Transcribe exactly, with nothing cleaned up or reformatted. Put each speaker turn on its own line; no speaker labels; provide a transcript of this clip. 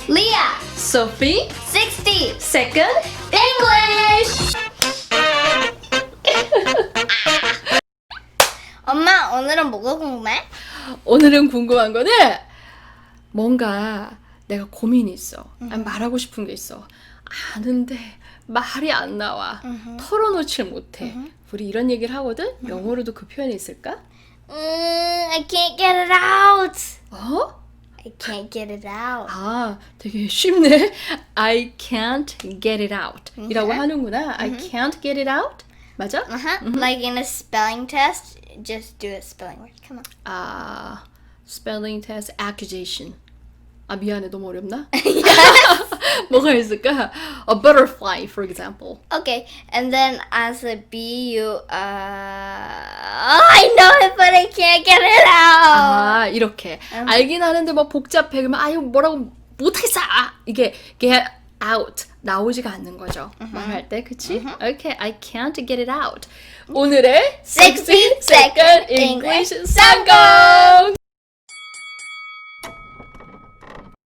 Leah,
Sophie,
sixty.
second English.
엄마, 오늘은 뭐가 궁금해?
오늘은 궁금한 거는 뭔가 내가 고민이 있어. 아니, 말하고 싶은 게 있어. 아는데 말이 안 나와. 털어놓질 못해. 우리 이런 얘기를 하거든? 영어로도 그 표현이 있을까?
음, I can't get it out.
어?
I can't get it out.
아, 되게 쉽네. I can't get it out 이라고
Okay.
하는구나. I can't get it out? 맞아?
Uh-huh. Like in a spelling test, just do a spelling word. Come on.
아, spelling test, accusation. 아, 미안해. 너무 어렵나? 뭐가 있을까? A butterfly, for example.
Okay, and then as a B, you, uh, I know it, but I can't get it out.
아, 이렇게. 알긴 하는데 뭐 복잡해. 그러면 아유, 뭐라고 못하겠어. 아, 이게 get out. 나오지가 않는 거죠. 말할 때, 그치? Okay, I can't get it out. 오늘의
sixty second
English
English
성공!